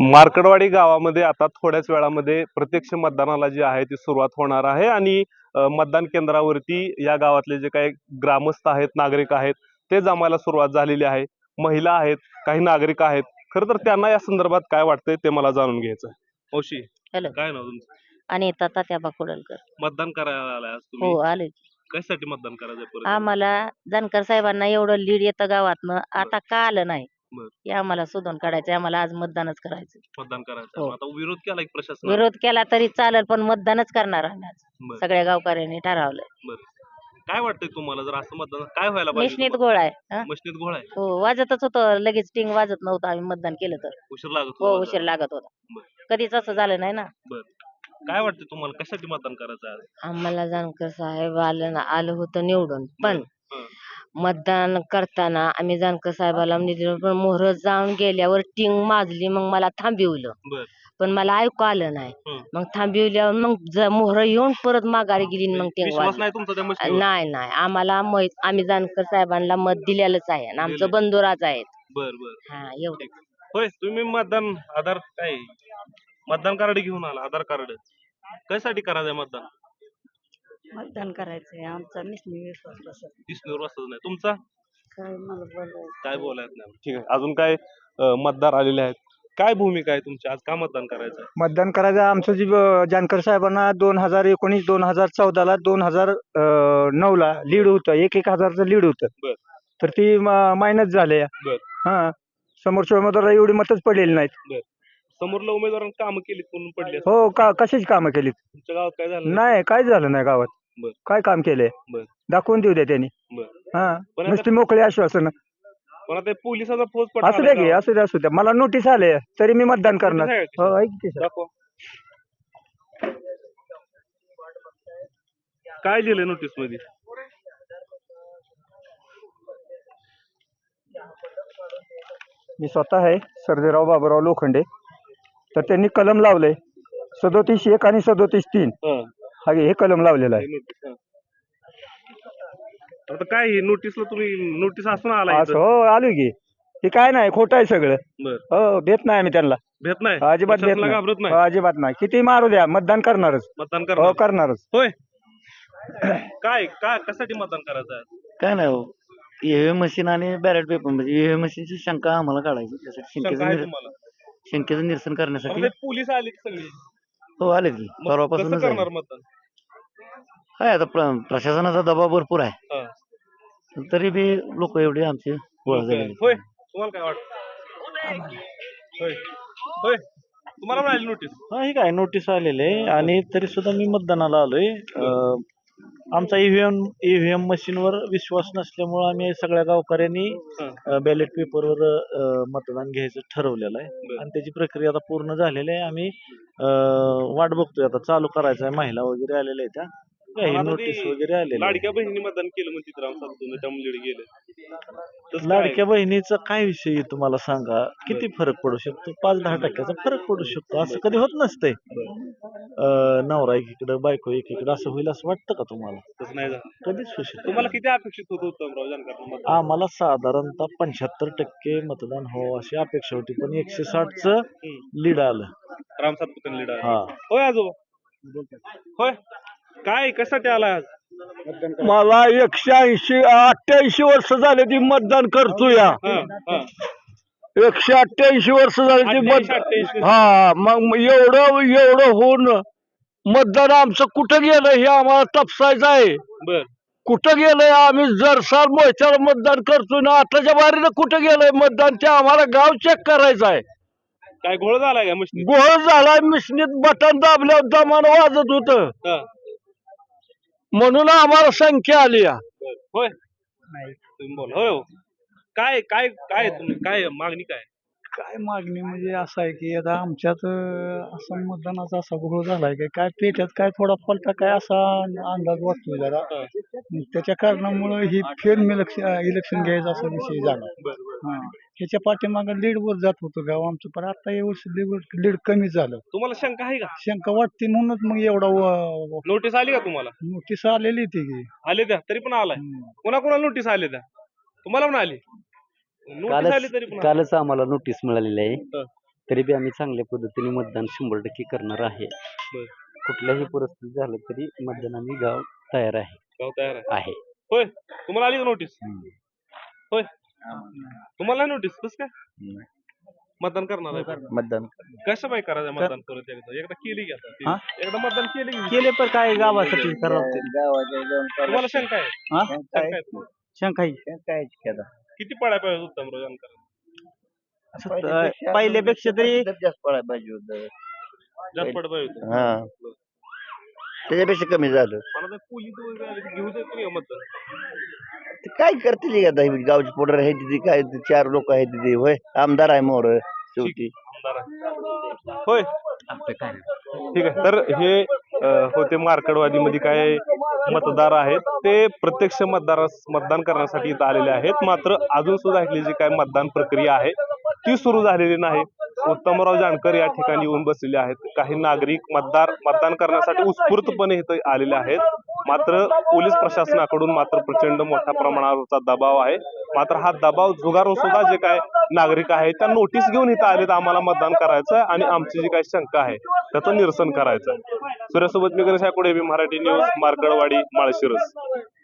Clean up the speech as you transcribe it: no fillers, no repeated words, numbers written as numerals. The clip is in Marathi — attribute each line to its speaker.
Speaker 1: मार्कडवाडी गावामध्ये आता थोड्याच वेळामध्ये प्रत्यक्ष मतदानाला जी आहे ती सुरुवात होणार आहे आणि मतदान केंद्रावरती या गावातले जे काही ग्रामस्थ आहेत, नागरिक आहेत ते जमायला सुरुवात झालेली आहे. महिला आहेत, काही नागरिक आहेत. खरं तर त्यांना या संदर्भात काय वाटतंय ते मला जाणून घ्यायचं आहे. औशी,
Speaker 2: हॅलो,
Speaker 1: काय नाव तुमचं?
Speaker 2: अनिता तात्याबा कुडलकर.
Speaker 1: मतदान करायला आलाय आज
Speaker 2: हो
Speaker 1: तुम्ही?
Speaker 2: आलोय.
Speaker 1: कशासाठी मतदान करायचं परत?
Speaker 2: आम्हाला जानकर साहेबांना एवढं लीड येतं गावातनं, आता का आलं नाही
Speaker 1: बरं.
Speaker 2: हे आम्हाला शोधून काढायचं. आम्हाला आज मतदानच करायचं.
Speaker 1: मतदान करायचं.
Speaker 2: हो.
Speaker 1: आता विरोध केला की प्रशासनाने?
Speaker 2: विरोध केला तरी चालेल, पण मतदानच करणार आम्ही आज.
Speaker 1: बरं.
Speaker 2: सगळ्या गावकऱ्यांनी ठरवलंय.
Speaker 1: बरं. काय वाटतंय तुम्हाला जर असं मतदान काय व्हायला पाहिजे?
Speaker 2: मिशनीत गोळ आहे. हा?
Speaker 1: मशनीत घोळ आहे?
Speaker 2: हो, वाजतच होतं, लगेच टिंग वाजत नव्हतं आम्ही मतदान केलं तर.
Speaker 1: उशीर लागत
Speaker 2: हो,
Speaker 1: होता?
Speaker 2: उशीर लागत होता.
Speaker 1: बरं.
Speaker 2: कधीच असं झालं नाही ना.
Speaker 1: बरं. काय वाटतं तुम्हाला कशासाठी मतदान करायचं आहे?
Speaker 2: आम्हाला जानकर साहेब आलं होतं निवडून, पण
Speaker 1: हं.
Speaker 2: मतदान करताना आम्ही जानकर साहेबाला निवडून, पण मोहर जाऊन गेल्यावर टिंग माजली, मग मला थांबिवलं.
Speaker 1: बरं.
Speaker 2: पण मला ऐकू आलं नाही.
Speaker 1: हं.
Speaker 2: मग थांबिवल्यावर मग मोहर येऊन परत माघारी गेली आणि मग टिंग
Speaker 1: विश्वास
Speaker 2: वाजली.
Speaker 1: नाही तुमचा त्या मशनीवर?
Speaker 2: नाही आम्हाला आम्ही जानकर साहेबांना मत दिलेलंच आहे आणि आमचं
Speaker 1: दिलंय.
Speaker 2: बंधुराज आहेत.
Speaker 1: बरं बरं.
Speaker 2: हा, एवढं.
Speaker 1: होय, तुम्ही मतदान आधार काय मतदान कार्ड घेऊन आला, आधार कार्ड कशासाठी करायचंय मतदान?
Speaker 2: मतदान करायचंय आमचा विश्वास
Speaker 1: विष्णूवर वाचत नाही तुमचा?
Speaker 2: काय मला बोलायचं.
Speaker 1: काय बोलायचं नाही. ठीक आहे. अजून काय मतदार आलेले आहेत? काय भूमिका आहे तुमची आज? का मतदान करायचं आहे?
Speaker 3: मतदान करायचं आमचं जी जानकर साहेबांना 2019, 2014ला, 2009ला लीड होतं, 1,000चं लीड होतं.
Speaker 1: बरं.
Speaker 3: तर ती मायनस झाले.
Speaker 1: बरं.
Speaker 3: हा, समोरच्या उमेदवाराला एवढी मतच पडलेली नाहीत.
Speaker 1: बरं. समोरल्या उमेदवारांनी कामं केलीत म्हणून पडली असतील.
Speaker 3: हो, कशाची कामं केली?
Speaker 1: तुमच्या गावात काय झालं?
Speaker 3: नाही, काय झालं नाही गावात.
Speaker 1: बरं.
Speaker 3: काय काम केलंय
Speaker 1: बरं.
Speaker 3: दाखवून देऊ द्या त्यांनी.
Speaker 1: बरं.
Speaker 3: हा,
Speaker 1: पण
Speaker 3: नुसती मोकळी आश्वासन.
Speaker 1: पण आता पोलिसाचा फौज
Speaker 3: असू द्या की, असू द्या. मला नोटीस आले तरी मी मतदान करणार.
Speaker 1: आहे का?
Speaker 3: हो, ऐक की सर.
Speaker 1: दाखवा. काय लिहिलंय नोटीस मध्ये?
Speaker 3: मी स्वतः आहे सर्जेराव बाबूराव लोखंडे. तर त्यांनी कलम लावलंय 37(1) आणि 37(3).
Speaker 1: हं.
Speaker 3: हे कलम लावलेलं आहे.
Speaker 1: हे नोटीस, हं. आता काय हे नोटीसला तुम्ही नोटीस असून आला
Speaker 3: असं
Speaker 1: इथं?
Speaker 3: हो, आलोय की. हे काय नाही, खोटं आहे सगळं.
Speaker 1: बरं.
Speaker 3: हो, भेट नाही आम्ही त्यांना.
Speaker 1: भेट नाही?
Speaker 3: अजिबात भेट
Speaker 1: प्रशासनाला
Speaker 3: नाही.
Speaker 1: घाबरत
Speaker 3: हो,
Speaker 1: नाही?
Speaker 3: अजिबात नाही. किती मारू द्या, मतदान करणारच.
Speaker 1: मतदान
Speaker 3: हो,
Speaker 1: करणार?
Speaker 3: करणारच.
Speaker 1: होय. काय काय कशासाठी मतदान करायचं आहे?
Speaker 4: काय नाही हो, ईव्हीएम मशीन आणि बॅलेट पेपर म्हणजे ईव्हीएम मशीनची शंका आम्हाला काढायची, त्यासाठी
Speaker 1: शंका आहे तुम्हाला?
Speaker 4: शंकेचं निरसन
Speaker 1: आता
Speaker 4: करण्यासाठी.
Speaker 1: ते पोलीस आले की सगळे.
Speaker 4: हो, आले की
Speaker 1: मग कसं
Speaker 4: परवापासूनच
Speaker 1: करणार
Speaker 4: आहे.
Speaker 1: मतदान?
Speaker 4: काय आता प्रशासनाचा दबाव भरपूर आहे,
Speaker 1: हं.
Speaker 4: तरी बी लोक एवढे आमचे गोळा झालेले.
Speaker 1: होय. तुम्हाला काय वाटतं? होय. होय. तुम्हाला मिळाली नोटीस?
Speaker 5: हा, हे काय नोटीस आलेले आणि तरी सुद्धा मी मतदानाला आलोय. आमचा ईव्हीएम मशीनवर विश्वास नसल्यामुळे आम्ही सगळ्या गावकऱ्यांनी बॅलेट पेपरवर मतदान घ्यायचं ठरवलेलं आहे
Speaker 1: बरं.
Speaker 5: आणि त्याची प्रक्रिया आता पूर्ण झालेली आहे. आम्ही वाट बघतोय, आता चालू करायचं आहे. महिला वगैरे आलेल्या आहेत, त्या
Speaker 1: आता ते
Speaker 5: नोटीस वगैरे आलेली आहे.
Speaker 1: लाडक्या बहिणी मतदान केलं म्हणते राम सातपुते त्या मुलीकडे गेले. तसं काय?
Speaker 5: लाडक्या बहिणीचा काय विषय आहे तुम्हाला सांगा, किती फरक पडू शकतो? 5-10 टक्क्याचा फरक पडू शकतो, असं कधी होत नसतंय. नवरा एकीकडे बायको एकीकडे असं होईल असं वाटतं का तुम्हाला?
Speaker 1: तसं नाही झालं.
Speaker 5: कधीच होऊ शकत
Speaker 1: तुम्हाला किती अपेक्षित होतं उत्तमराव जानकरांना मतदान?
Speaker 5: आम्हाला साधारणतः 75% मतदान हो अशी अपेक्षा होती, पण 160चं लीड आलं.
Speaker 1: राम सातपुते लीडर.
Speaker 5: हा.
Speaker 1: होय आजोबा. होय. काय कशासाठी आला आज?
Speaker 3: मला 188 वर्ष झाले ती मतदान करतोय.
Speaker 1: हं, हं.
Speaker 3: 188 वर्ष झाले ती
Speaker 1: 88.
Speaker 3: हा, मग एवढं होऊन मतदान आमचं कुठं गेलं हे आम्हाला तपसायचं आहे.
Speaker 1: बर.
Speaker 3: कुठं गेलंय? आम्ही जरसाल मोर्चाला मतदान करतोय ना, आताच्या बारीनं कुठं गेलंय मतदान ते आम्हाला गाव चेक करायचं आहे.
Speaker 1: काय घोळ झालाय का मशनी?
Speaker 3: गोळ झालाय, मिशनीत बटन दाबल्यावर दमान वाजत होतं, म्हणून आम्हाला संख्या आली.
Speaker 1: होय. तुम्ही बोला. होय हो. काय काय काय तुम्ही काय मागणी काय?
Speaker 6: काय मागणी म्हणजे असं आहे की आता आमच्यात असा मतदानाचा असा घोळ झालाय की काय पेट्यात काय थोडा पलटा काय असा अंदाज वाटतोय जरा. त्याच्या कारणामुळं ही इलेक्शन घ्यायचा असा विषय झाला. हा, ह्याच्या पाठीमागं लीड वर जात होतं गाव आमचं, पण आता या वर्षी लीड कमी झालं.
Speaker 1: तुम्हाला शंका आहे का?
Speaker 6: शंका वाटते म्हणूनच मग एवढा
Speaker 1: नोटीस आली का तुम्हाला?
Speaker 6: नोटीस आलेली ती की.
Speaker 1: आले त्या तरी पण आलाय. कोणाकोणाला नोटीस आले त्या? तुम्हाला पण आली? नोटीस आली तरी पण आली.
Speaker 4: कालच आम्हाला नोटीस मिळालेली आहे.
Speaker 7: तरी बी आम्ही चांगल्या पद्धतीने मतदान 100% करणार आहे.
Speaker 1: बरं.
Speaker 7: कुठल्याही परिस्थिती झालं तरी मतदान आम्ही गाव तयार आहे.
Speaker 1: गाव तयार आहे.
Speaker 7: आहे.
Speaker 1: होय तुम्हाला आली का नोटीस? होय तुम्हाला नाही नोटीस कसं काय मतदान करणार आहे?
Speaker 7: मतदान
Speaker 1: कसं बाय करायचं मतदान परत एकदा केली की आता ती. एकदा मतदान केली की
Speaker 5: केले पण काय गावासाठी करावं ते.
Speaker 1: तुम्हाला शंका आहे?
Speaker 5: हा?
Speaker 1: शंका आहे तुम्हाला?
Speaker 5: शंका ही.
Speaker 1: किती पडाय पाहिजे उत्तमराव जानकर?
Speaker 5: पहिल्यापेक्षा तरी
Speaker 4: जास्त पडायला पाहिजे होतं.
Speaker 1: जास्त पड पाहिजे होतं.
Speaker 4: हा त्याच्यापेक्षा कमी झालं.
Speaker 1: मला तर पोलीस वगैरे आले की घेऊ देत नाही का मतदान?
Speaker 4: ते काय करतील आता ही गावची पोटर आहे तिथे काय ते 4 लोक आहेत तिथे होय आमदार आहे मोर शेवटी.
Speaker 1: आमदार आहे. होय ठीक आहे. तर हे होते मार्कडवादीमध्ये काय मतदार आहेत ते प्रत्यक्ष मतदान करण्यासाठी इथं आलेले आहेत. मात्र अजून सुद्धा इथली जी काय मतदान प्रक्रिया आहे ती सुरू झालेली नाही. उत्तमराव जानकर या ठिकाणी येऊन बसलेले आहेत. काही नागरिक मतदान करण्यासाठी उत्स्फूर्तपणे इथं आलेले आहेत. मात्र पोलीस प्रशासनाकडून मात्र प्रचंड मोठ्या प्रमाणावरचा दबाव आहे. मात्र हा दबाव झुगारून सुद्धा जे काय नागरिक आहेत त्या नोटीस घेऊन इथं आलेत आम्हाला मतदान करायचं आणि आमची जी काही शंका आहे त्याचं निरसन करायचं. सूर्यासोबत मी गणेश आकुडे, मराठी न्यूज, मार्कडवाडी, माळशिरस.